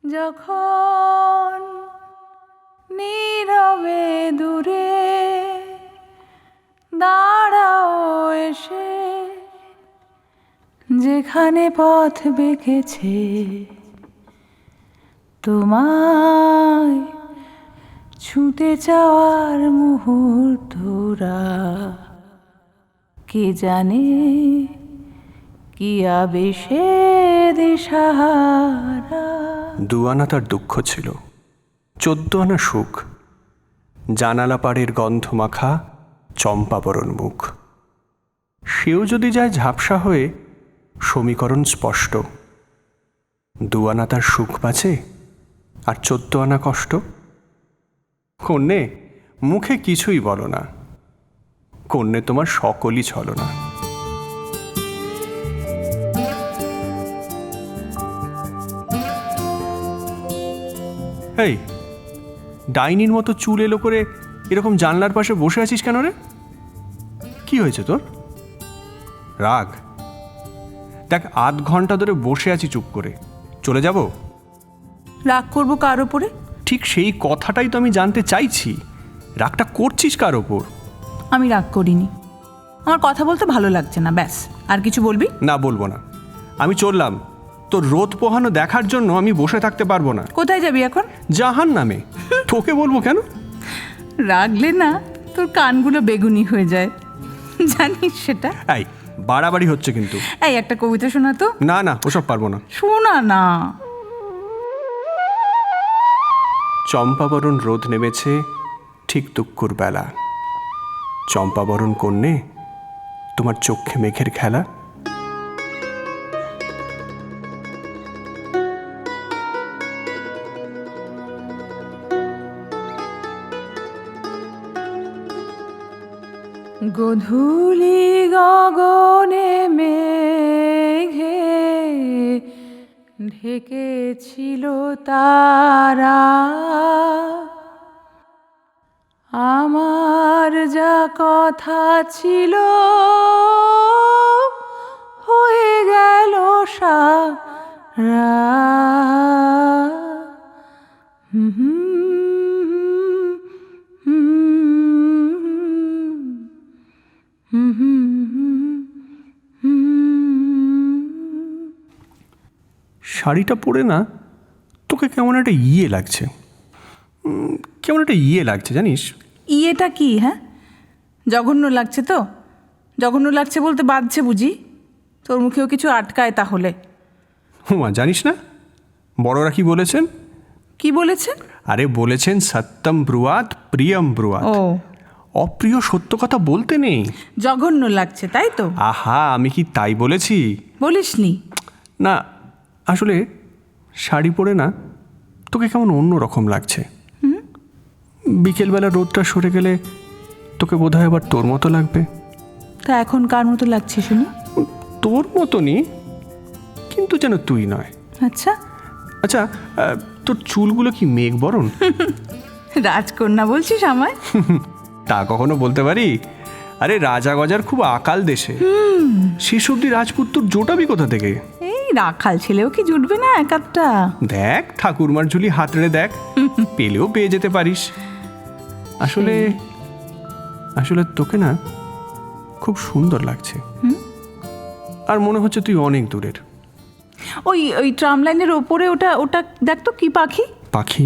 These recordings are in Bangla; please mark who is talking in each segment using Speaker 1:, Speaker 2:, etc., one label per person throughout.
Speaker 1: যখন নীরবে দূরে দাঁড়াও এসে, যেখানে পথ বেঁকেছে তোমায় ছুঁতে চাওয়ার মুহূর্তরা, কে জানে কি আবেশে দিশাহারা।
Speaker 2: 2 আনা তার দুঃখ ছিল, 14 আনা সুখ। জানালা পাড়ের গন্ধ মাখা চম্পাবরণ মুখ। সেও যদি যায় ঝাপসা হয়ে, সমীকরণ স্পষ্ট। 2 আনা তার সুখ বাঁচে, আর 14 আনা কষ্ট। কন্যে, মুখে কিছুই বলো না, কন্যে তোমার সকলই ছলনা। এই ডাইনির মতো চুল এলো করে এরকম জানলার পাশে বসে আছিস কেন রে? কি হয়েছে তোর? রাগ? দেখ, 8 ঘন্টা ধরে বসে আছি চুপ করে, চলে যাব?
Speaker 1: রাগ করবো কার ওপরে?
Speaker 2: ঠিক সেই কথাটাই তো আমি জানতে চাইছি, রাগটা করছিস কার ওপর?
Speaker 1: আমি রাগ করিনি, আমার কথা বলতে ভালো লাগছে না, ব্যাস। আর কিছু বলবি?
Speaker 2: না, বলবো না। আমি চললাম, তোর রোদ পোহানো দেখার জন্য আমি বসে থাকতে পারবো না।
Speaker 1: কোথায় যাবি এখন?
Speaker 2: জাহান নামে। তোকে বলবো কেন?
Speaker 1: রাগলে না তোর কানগুলো বেগুনি হয়ে যায়, জানিস সেটা?
Speaker 2: এই বাড়াবাড়ি হচ্ছে কিন্তু।
Speaker 1: এই একটা কবিতা শোনা তো।
Speaker 2: না না, ওসব পারবো না।
Speaker 1: শোনা না।
Speaker 2: চম্পাবরণ রোদ নেমেছে ঠিক দুঃখুর বেলা। চম্পাবরণ কন্যে, তোমার চক্ষে মেঘের খেলা।
Speaker 1: গধূলি গগনে মেঘে ঢেকেছিল তারা, আমার যা কথা ছিল হয়ে গেল সারা।
Speaker 2: শাড়িটা পরে না তোকে কেমন একটা ইয়ে লাগছে, কেমন একটা ইয়ে লাগছে জানিস?
Speaker 1: ইয়েটা কি? হ্যাঁ, জঘন্য লাগছে তো? জঘন্য লাগছে বলতে বাধছে বুঝি? তোর মুখেও কিছু আটকায় তাহলে?
Speaker 2: হুমা, জানিস না বড়রা কি বলেছেন?
Speaker 1: কি বলেছেন?
Speaker 2: আরে বলেছেন, সত্যম ব্রুয়াত প্রিয়ম ব্রুয়াত।
Speaker 1: ও,
Speaker 2: অপ্রিয় সত্য কথা বলতে নেই।
Speaker 1: জঘন্য লাগছে তাই তো?
Speaker 2: আহা, আমি কি তাই বলেছি?
Speaker 1: বলিসনি?
Speaker 2: না, আসলে শাড়ি পরে না তোকে কেমন অন্য রকম লাগছে। বিকেলবেলা রোদটা সরে গেলে তোকে বোধহয় আবার তোর মতো লাগবে।
Speaker 1: তা এখন কার মতো লাগছে শুনি?
Speaker 2: তোর মতনই, কিন্তু যেন তুই নয়।
Speaker 1: আচ্ছা
Speaker 2: আচ্ছা, তোর চুলগুলো কি মেঘ বরণ?
Speaker 1: রাজকন্যা বলছিস আমায়?
Speaker 2: তা কখনো বলতে পারি? আরে রাজা গজার খুব আকাল দেশে, শেষ অব্দি রাজপুত তোর জোটাবি কোথা থেকে?
Speaker 1: এই রাখাল ছেলেও কি জুটবে না এক আধটা?
Speaker 2: দেখ, ঠাকুরমার ঝুলি হাতড়ে দেখ, পেলেও পেয়ে যেতে পারিস। আসলে আসলে তোকে না খুব সুন্দর লাগছে, আর মনে হচ্ছে তুই অনেক দূরের।
Speaker 1: ওই ওই ট্রাম লাইনের ওপরে ওটা ওটা দেখ তো, কি পাখি?
Speaker 2: পাখি?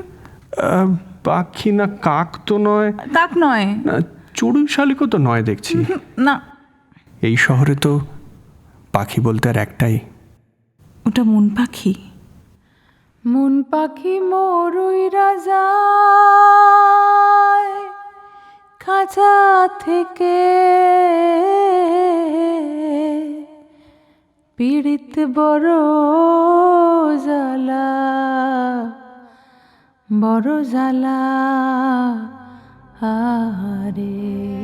Speaker 2: পাখি না, কাক তো নয়।
Speaker 1: কাক নয়
Speaker 2: না, চড়ুই শালিকও তো নয় দেখছি।
Speaker 1: না,
Speaker 2: এই শহরে তো পাখি বলতে আর একটাই।
Speaker 1: ওটা মন পাখি। মন পাখি মরুই রাজা খাঁচা থেকে, পীড়িত বড় জ্বালা, বড় জ্বালা আরে।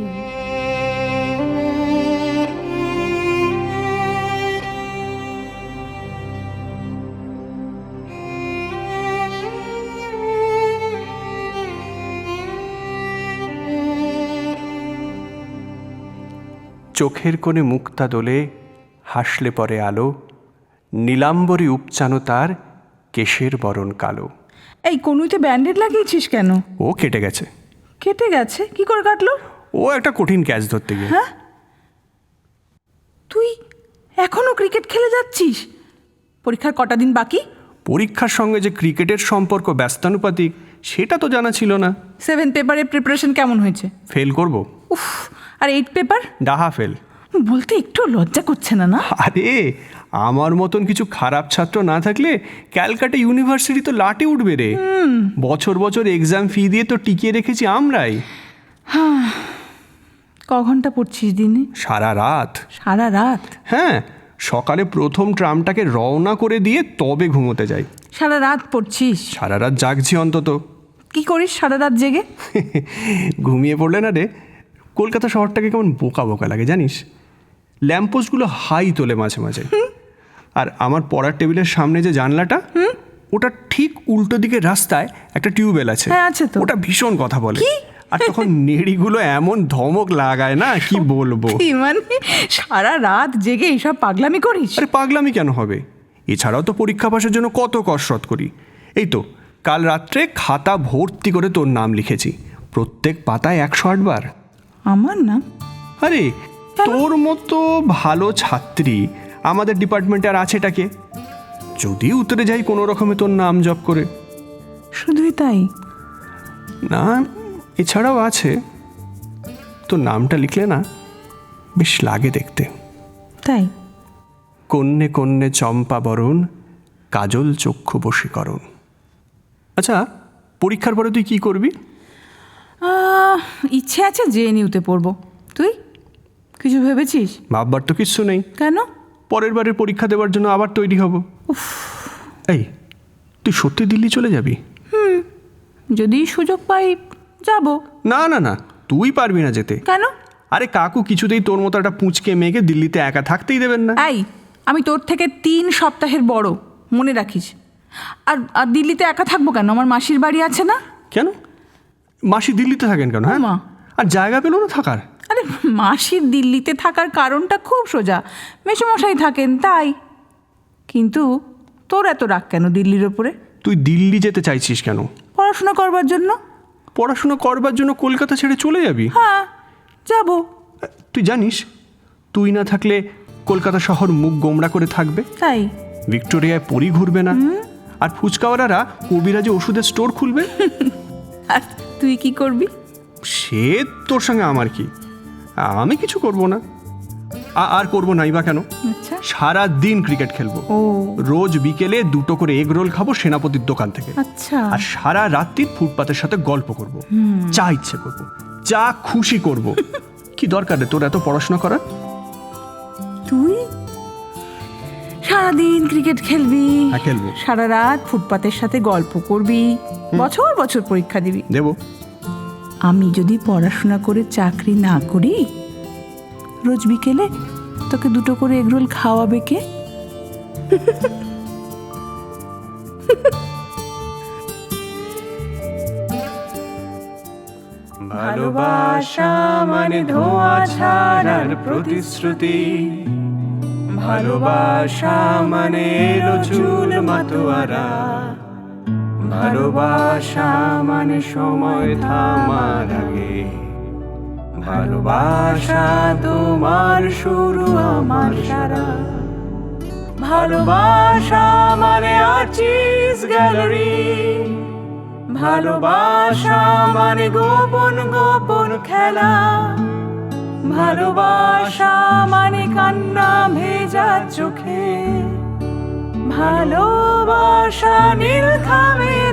Speaker 2: চোখের কোণে মুক্তা দোলে, হাসলে পরে আলো, নীলাম্বরী উপচানো তার কেশের বরণ কালো।
Speaker 1: এই কনুইতে ব্যান্ডেড লাগিয়েছিস কেন?
Speaker 2: ও কেটে গেছে।
Speaker 1: কেটে গেছে? কি করে কাটলো?
Speaker 2: ও একটা কঠিন ক্যাচ ধরতে গিয়ে।
Speaker 1: হ্যাঁ, তুই এখনো ক্রিকেট খেলে যাচ্ছিস? পরীক্ষার কটা দিন বাকি?
Speaker 2: পরীক্ষার সঙ্গে যে ক্রিকেটের সম্পর্ক ব্যস্তানুপাতিক সেটা তো জানা ছিল না।
Speaker 1: 7 পেপারের প্রিপারেশন কেমন হয়েছে?
Speaker 2: ফেল করব?
Speaker 1: উফ, আর 8 পেপার?
Speaker 2: ডাহা ফেল।
Speaker 1: বলতে একটু লজ্জা করছে না? না
Speaker 2: আরে আমার মতন কিছু খারাপ ছাত্র না থাকলে ক্যালকাটা ইউনিভার্সিটি তো লাটে উঠবে রে। বছর বছর এক্সাম ফি দিয়ে তো টিকিয়ে রেখেছি আমরাই।
Speaker 1: ক ঘন্টা পড়ছিস দিনে?
Speaker 2: সারা রাত।
Speaker 1: সারা রাত?
Speaker 2: হ্যাঁ, সকালে প্রথম ট্রামটাকে রওনা করে দিয়ে তবে ঘুমোতে যাই।
Speaker 1: সারা রাত পড়ছিস?
Speaker 2: সারা রাত জাগছি অন্তত।
Speaker 1: কি করিস সারা রাত জেগে?
Speaker 2: ঘুমিয়ে পড়লে না রে কলকাতা শহরটাকে কেমন বোকা বোকা লাগে জানিস। ল্যাম্পপোস্টগুলো হাই তোলে মাঝে মাঝে। আর আমার পড়ার টেবিলের সামনে যে জানলাটা, ওটা ঠিক উল্টো দিকে রাস্তায় একটা টিউবওয়েল আছে।
Speaker 1: হ্যাঁ, আছে তো।
Speaker 2: ওটা ভীষণ কথা বলে। আর তখন নেড়িগুলো এমন ধমক লাগায় না, কি বলবো।
Speaker 1: কি মানে সারা রাত জেগে এইসব পাগলামি করিস?
Speaker 2: আরে পাগলামি কেন হবে, এছাড়াও তো পরীক্ষা পাসের জন্য কত কসরত করি। এই তো কাল রাত্রে খাতা ভর্তি করে তোর নাম লিখেছি, প্রত্যেক পাতায় 108 বার।
Speaker 1: আমার নাম?
Speaker 2: আরে তোর মতো ভালো ছাত্রী আমাদের ডিপার্টমেন্টে আর আছেটাকে, যদি উতরে যাই কোনো রকমে তোর নাম জপ করে।
Speaker 1: শুধুই তাই?
Speaker 2: না, এছাড়াও আছে। তোর নামটা লিখলে না বেশ লাগে দেখতে।
Speaker 1: তাই?
Speaker 2: কন্যে কন্যে চম্পা বরণ, কাজল চক্ষু বশীকরণ। আচ্ছা, পরীক্ষার পরে তুই কি করবি?
Speaker 1: ইচ্ছে আছে জেএনইউতে পড়বো। তুই কিছু ভেবেছিস?
Speaker 2: ভাববার তো কিচ্ছু নেই।
Speaker 1: কেন?
Speaker 2: পরের বারের পরীক্ষা দেওয়ার জন্য আবার তৈরি হব। এই, তুই সত্যি দিল্লি চলে যাবি?
Speaker 1: যদি সুযোগ পাই যাব।
Speaker 2: না না না, তুই পারবি না যেতে।
Speaker 1: কেন?
Speaker 2: আরে কাকু কিছুতেই তোর মতো একটা পুঁচকে মেয়েকে দিল্লিতে একা থাকতেই দেবেন না।
Speaker 1: এই, আমি তোর থেকে 3 সপ্তাহের বড়, মনে রাখিস। আর আর দিল্লিতে একা থাকবো কেন? আমার মাসির বাড়ি আছে না?
Speaker 2: কেন? মাসি দিল্লিতে থাকেন কেন? হ্যাঁ,
Speaker 1: মা।
Speaker 2: আর জায়গা পেল না থাকার?
Speaker 1: আরে মাসির দিল্লিতে থাকার কারণটা খুব সোজা, মেসোমশাই থাকেন তাই। কিন্তু তোর এত রাগ কেন দিল্লির ওপরে?
Speaker 2: তুই দিল্লি যেতে চাইছিস কেন?
Speaker 1: পড়াশোনা করবার জন্য।
Speaker 2: পড়াশোনা করবার জন্য কলকাতা ছেড়ে চলে যাবি?
Speaker 1: হ্যাঁ, যাব।
Speaker 2: তুই জানিস তুই না থাকলে কলকাতা শহর মুখ গোমড়া করে থাকবে।
Speaker 1: তাই?
Speaker 2: ভিক্টোরিয়ায় পরি ঘুরবে না, আর ফুচকাওয়ালারা কবিরাজে ওষুধের স্টোর খুলবে।
Speaker 1: আর তুই কি করবি?
Speaker 2: সে তোর সঙ্গে আমার কি, আমি কিছু করব না। আর করবো নাই বা কেন?
Speaker 1: আচ্ছা।
Speaker 2: সারা দিন ক্রিকেট খেলবো।
Speaker 1: ও
Speaker 2: রোজ বিকেলে 2টো করে এগ রোল খাবো সেনাপতির দোকান থেকে।
Speaker 1: আচ্ছা।
Speaker 2: আর সারা রাত্রি ফুটপাতের সাথে গল্প করব, যা ইচ্ছে করব, যা খুশি করব। কি দরকার রে তোর এত পড়াশোনা করার?
Speaker 1: তুই সারাদিন ক্রিকেট খেলবি?
Speaker 2: হ্যাঁ, খেলবো।
Speaker 1: সারা রাত ফুটপাতের সাথে গল্প করবি, বছর বছর পরীক্ষা দিবি।
Speaker 2: দেবো।
Speaker 1: আমি যদি পড়াশোনা করে চাকরি না করি, রোজ বিকেলে তোকে 2টো করে এগরোল খাওয়াবে কে?
Speaker 2: ভালোবাসা মানে ধোঁয়া ছাড়ার প্রতিশ্রুতি, ভালোবাসা মানে এলো চুল মাতোয়ারা, ভালোবাসা মানে সময় থামার আগে, ভালোবাসা তোমার শুরু আমার সারা, ভালোবাসা মানে আর্টিস্ট গ্যালারি, ভালোবাসা মানে গোপন গোপন খেলা, ভালোবাসা মানে কান্না ভেজা চোখে, ভালোবাসা নীল খামের